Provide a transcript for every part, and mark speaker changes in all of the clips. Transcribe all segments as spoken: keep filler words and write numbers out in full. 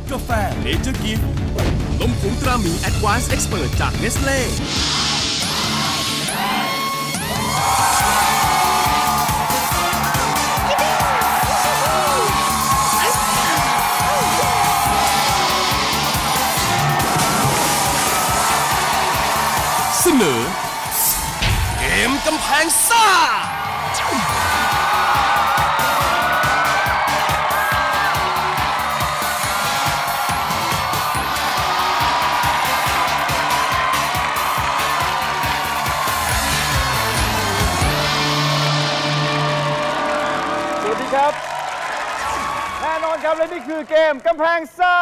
Speaker 1: กาแฟเนเจอร์กิฟต์นมผงตราหมีแอดวานซ์เอ็กซ์เพิร์ตจากเนสเล่เสนอเกมกำแพงซ่า
Speaker 2: ครับแน่นอนครับและนี่คือเกมกำแพงซ่า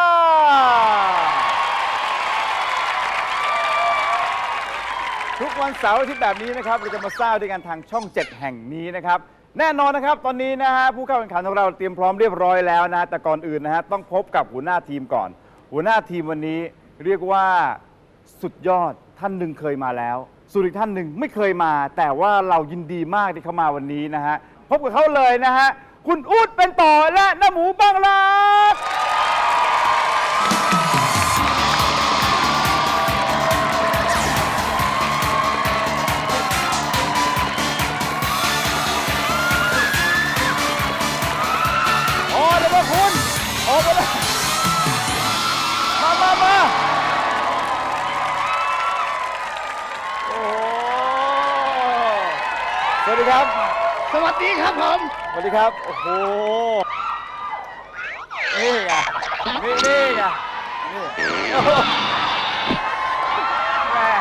Speaker 2: ทุกวันเสาร์อาทิตย์แบบนี้นะครับเราจะมาซ่าด้วยกันทางช่องเจ็ดแห่งนี้นะครับแน่นอนนะครับตอนนี้นะฮะผู้เข้าแข่งขันของเราเตรียมพร้อมเรียบร้อยแล้วนะแต่ก่อนอื่นนะฮะต้องพบกับหัวหน้าทีมก่อนหัวหน้าทีมวันนี้เรียกว่าสุดยอดท่านหนึ่งเคยมาแล้วส่วนอีกท่านหนึ่งไม่เคยมาแต่ว่าเรายินดีมากที่เขามาวันนี้นะฮะพบกับเขาเลยนะฮะคุณอู๊ดเป็นต่อและน้าหมูบางรักโอ้เดี๋ยวมาคุณโอ้มาเลยมามามาโอ้สวัสดีครับ
Speaker 3: สวัสดีครับผม
Speaker 2: สวัสดีครับโอ้โหนี่ไงนี่นี่ไงนี่แม่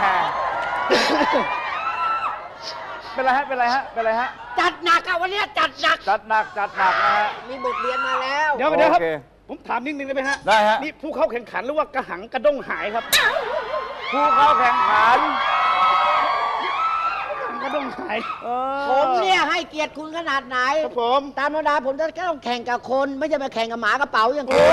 Speaker 2: เป็นไรฮะเป็นไรฮะเป็นไรฮะ
Speaker 3: จัดหนักอะวันนี้จัดหนัก
Speaker 2: จัดหนักจัดหนักนะฮะ
Speaker 3: มีบทเรียนมาแล้ว
Speaker 4: เดี๋ยวเดี๋ยวครับผมถามนิดนึงได้ไหมฮะ
Speaker 2: ได้ฮะ
Speaker 4: นี่ผู้เข้าแข่งขันหรือว่ากระหังกระด้งหายครับ
Speaker 2: ผู้เข้าแข่งขัน
Speaker 4: กระด้งหาย
Speaker 3: ผมเนี่ยให้เกียรติคุณขนาดไหน
Speaker 4: ครับผม
Speaker 3: ตามธรรมดาผมจะแค่ต้องแข่งกับคนไม่ใช่มาแข่งกับหมากระเป๋าอย่างคุณ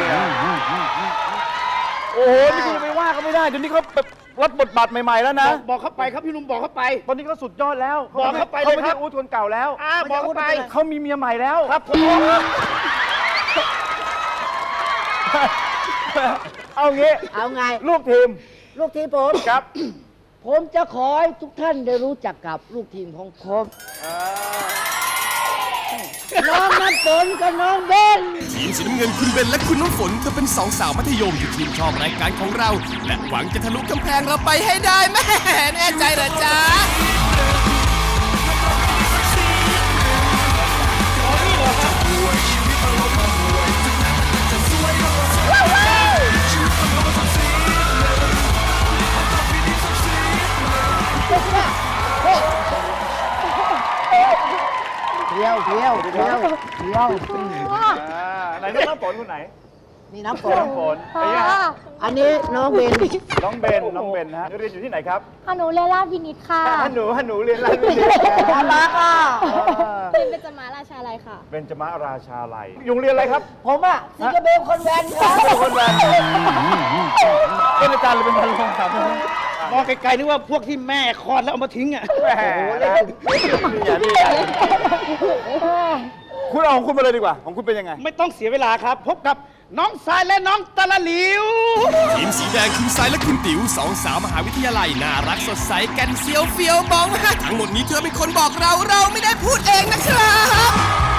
Speaker 2: โอ้โหนี่คุณจะไปว่าเขาไม่ได้เดี๋ยวนี้เขาแบบรับบทบาทใหม่ๆแล้วนะ
Speaker 4: บอกเขาไปครับพี่ลุงบอกเขาไป
Speaker 2: ตอนนี้เขาสุดยอดแล้ว
Speaker 4: บอกเขาไปเลยครับ
Speaker 2: เขาไม่ใช่อู๊ดคนเก่าแล้ว
Speaker 4: บอกเขาไป
Speaker 2: เขามีเมียใหม่แล้ว
Speaker 4: ครับผม
Speaker 2: เอางี้
Speaker 3: เอาไง
Speaker 2: ลูกทีม
Speaker 3: ลูกทีมผม
Speaker 2: ครับ
Speaker 3: ผมจะขอให้ทุกท่านได้รู้จักกับลูกทีมของผมน้องน้ำฝนกับน้องเบน
Speaker 1: ทีมสีน้ำเงินคุณเบนและคุณน้ำฝนก็เป็นสองสาวมัธยมที่ทีมชอบรายการของเราและหวังจะทะลุกำแพงเราไปให้ได้แม่แน่ใจเหรอจ๊ะ
Speaker 3: เที่ยวเที่ยวเที่ยวเที่ยว
Speaker 2: ไหนน้องฝนคนไหน
Speaker 3: นี่น้ำฝน
Speaker 2: น้ำฝน
Speaker 3: อันนี้น้องเบน
Speaker 2: น้องเบนน้องเบนนะฮะเรียนอยู่ที่ไหนครับ
Speaker 5: ฮานูเรียนราชวินิตค่ะ
Speaker 2: ฮานูฮานูเรียนราชวินิต
Speaker 3: น่ารักอ่ะ
Speaker 5: เป็นเบญจมาราชาลัยค่ะ
Speaker 2: เบญจมาราชาลัยอยู่เรียนอะไรครับ
Speaker 3: ผมอ่ะซิงเกิลเบลคนแวนครับ
Speaker 2: คนแวนเป็นอาจารย์หรือเป็นพันลงครับ
Speaker 4: มองไกลๆนึกว่าพวกที่แม่คลอดแล้วเอามาทิ้งอ่ะ
Speaker 2: แหมคุณเอาของคุณมาเลยดีกว่าของคุณเป็นยังไง
Speaker 4: ไม่ต้องเสียเวลาครับพบกับน้องสายและน้องตะละหลิว
Speaker 1: ทีมสีแดงคุณสายและคุณติ๋วสองสาวมหาวิทยาลัยน่ารักสดใสกันเซียวเฟียวมองมาทั้งหมดนี้เธอเป็นคนบอกเราเราไม่ได้พูดเองนะครับ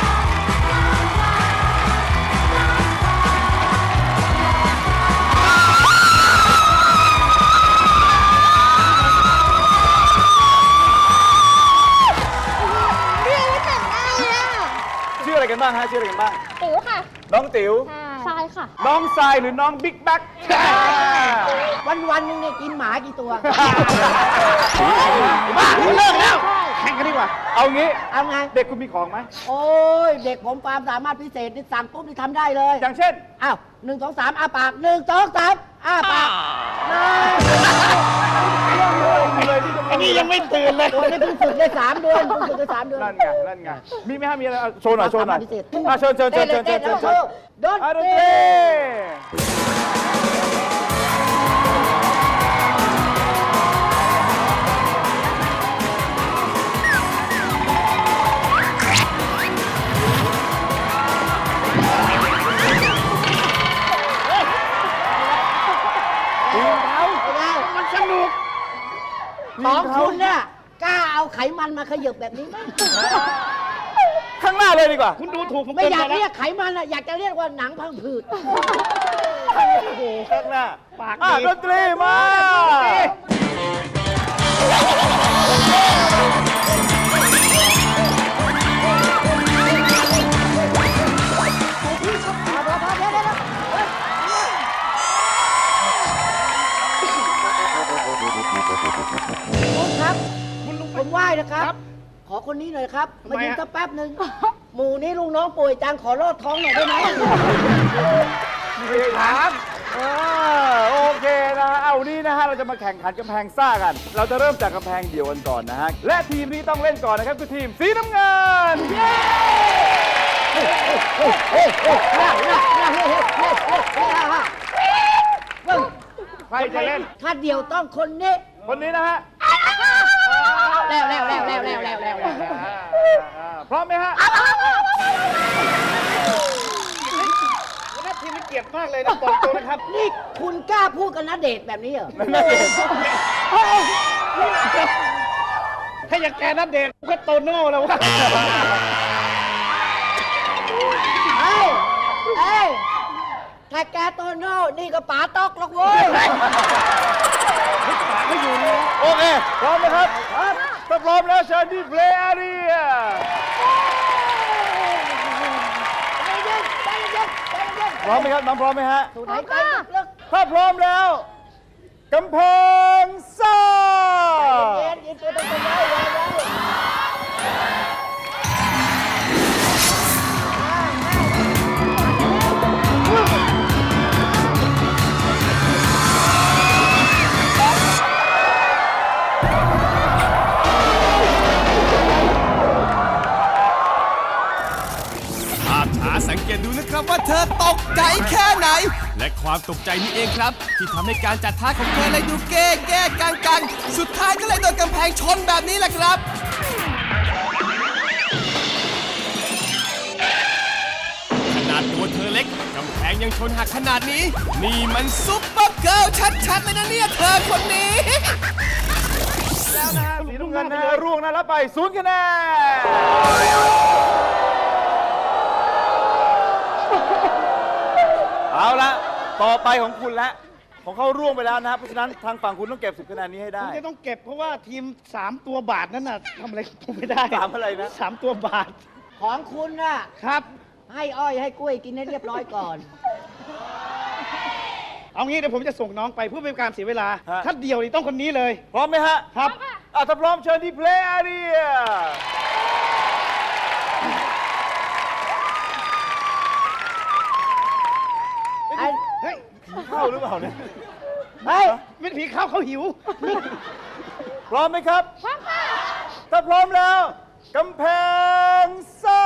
Speaker 2: ชื่ออะไรกันบ้างฮะชื่ออะไรกันบ้าง
Speaker 5: ติ๋วค่ะ
Speaker 2: น้องติ๋ว
Speaker 5: ทรายค่ะ
Speaker 2: น้องทรายหรือน้องบิ๊กแบ็ค
Speaker 3: วันวันนึงเนี่ยกินหมากี่ตัว
Speaker 4: บ้าเลิกแล้วแข่งกันดีกว่า
Speaker 2: เอางี้
Speaker 3: เอาไง
Speaker 2: เด็กคุณมีของไหม
Speaker 3: โอ้ยเด็กผมความสามารถพิเศษนี่สั่งปุ๊บนี่ทำได้เลย
Speaker 2: อย่างเช่น
Speaker 3: อ้าวหนึ่งสองสามอ้าปากหนึ่งสองสามอ้าปาก
Speaker 4: อันนี้ยังไม่ตื่นเลย
Speaker 3: ตัวนี้เพิ่งฝึกได้สามเดือนเพิ่งฝึกได้สามเดือน
Speaker 2: นั่นไงนั่นไงมีไหมฮะมีอะไรโชว์หน่อยโชว์หน่อยเชิญเชิญเชิญเชิญเชิญเชิญเชิญ
Speaker 3: ดนตรี
Speaker 4: นุก
Speaker 3: ของคุณเนี่ยกล้าเอาไขมันมาขยบแบบนี้ไหม
Speaker 2: ข้างหน้าเลยดีกว่า
Speaker 4: คุณดูถูกผม
Speaker 3: ไม่
Speaker 4: เกิน
Speaker 3: อยาก
Speaker 4: ไปแล้
Speaker 3: เรียว กไขมันอะอยากจะเรียกว่าหนังพังผืด
Speaker 2: โอ้โหข้างหน้า
Speaker 4: ปาก
Speaker 2: อ่ะ
Speaker 4: ดี
Speaker 2: ดนตรีมา
Speaker 3: คุณครับ
Speaker 4: คุณลุง
Speaker 3: ผมไหว้นะครับ
Speaker 4: ครับ
Speaker 3: ขอคนนี้หน่อยครับ
Speaker 4: ทำ
Speaker 3: มา
Speaker 4: ไม
Speaker 3: ยืน
Speaker 4: ฮะ
Speaker 3: สักแป๊บหนึ่งหมู่นี้ลุงน้องป่วยจังขอรอดท้องหน่อยได้ไหม
Speaker 2: ไม่ถามเออโอเคนะฮะเอาวันนี้นะฮะเราจะมาแข่งขันกำแพงซ่ากัน เราจะเริ่มจากกำแพงเดี่ยวกันก่อนนะฮะและทีมที่ต้องเล่นก่อนนะครับคือทีมสีน้ำเงิน ใครจะเล่น
Speaker 3: ถ้าเดียวต้องคนนี้
Speaker 2: คนนี้นะฮะ
Speaker 3: แล้วแล้วแล้วแล้วแล้วแล้วแล้วแล้ว
Speaker 2: อ่าพร้อมไหมฮะ
Speaker 4: หัวหน้าทีมนี่เกลียดมากเลยนะบอกตรงนะครับ
Speaker 3: นี่คุณกล้าพูดกับณเดชน์แบบนี้เหรอ
Speaker 4: ถ้าอย่างแกนัดเดทก็โตโน่แล้ววะ
Speaker 3: เอ้ยเอ้ยถ้าแกโตโน่นี่ก็ป๋าตอกหรอกเว้ย
Speaker 2: โอเค พร้อมไหมครับถ้าพร้อมแล้วเชิญที่เพลย์อารี
Speaker 3: ใจเย็นใจเย็นใจเย็น
Speaker 2: พร้อมไหมครับน้องพร้อมไหมฮะ
Speaker 3: สูดหายใจลึก
Speaker 2: ถ้าพร้อมแล้วกำแพงซ่า
Speaker 3: ๆใจเย็นยืนตัวตรงๆไว้ไว้ไว้
Speaker 1: ภาพช้าสังเกตดูนะครับว่าเธอตกใจแค่ไหน และความตกใจนี่เองครับ ที่ทำให้การจัดท่าของเธอเลยดูเก้แก้กังกังสุดท้ายก็เลยโดนกำแพงชนแบบนี้แหละครับ ขนาดตัวเธอเล็กกำแพงยังชนหักขนาดนี้ นี่มันซุปเปอร์เกิร์ลชัดๆเลยนะเนี่ยเธอคนนี้
Speaker 2: แล้วนะฮะสีน้ำเงินนะฮะร่วงนะรับไปศูนย์คะแนนเอาละต่อไปของคุณละของเขาร่วงไปแล้วนะฮะเพราะฉะนั้นทางฝั่งคุณต้องเก็บสิบคะแนนนี้ให้
Speaker 4: ผ
Speaker 2: ได้
Speaker 4: มจะต้องเก็บเพราะว่าทีมสามตัวบาทนั้นน่ะทำอะไรผมไม่ได้
Speaker 2: สามอะไรนะ
Speaker 4: สามตัวบาท
Speaker 3: ของคุณน่ะ
Speaker 4: ครับ
Speaker 3: ให้อ้อยให้กล้วยกินให้เรียบร้อยก่อน
Speaker 4: เอางี้เดี๋ยวผมจะส่งน้องไปเพื่อเป็นการเสียเวลา
Speaker 2: ฮะ
Speaker 4: ถ้าเดียวนี่ต้องคนนี้เลย
Speaker 2: พร้อมไหมฮะ
Speaker 4: ครับ
Speaker 2: อ่ะถ้าพร้อมเชิญที่เพลย์อารี
Speaker 3: ไอ้
Speaker 4: เฮ้ย
Speaker 2: เข้าหรือเปล่าเนี่ย
Speaker 3: เฮ้ย
Speaker 4: ไม่ผีเข้าเขาหิว
Speaker 2: พร้อมไหมครับ พร้อมค่ะ ถ้าพร้อมแล้วกำแพงซ่า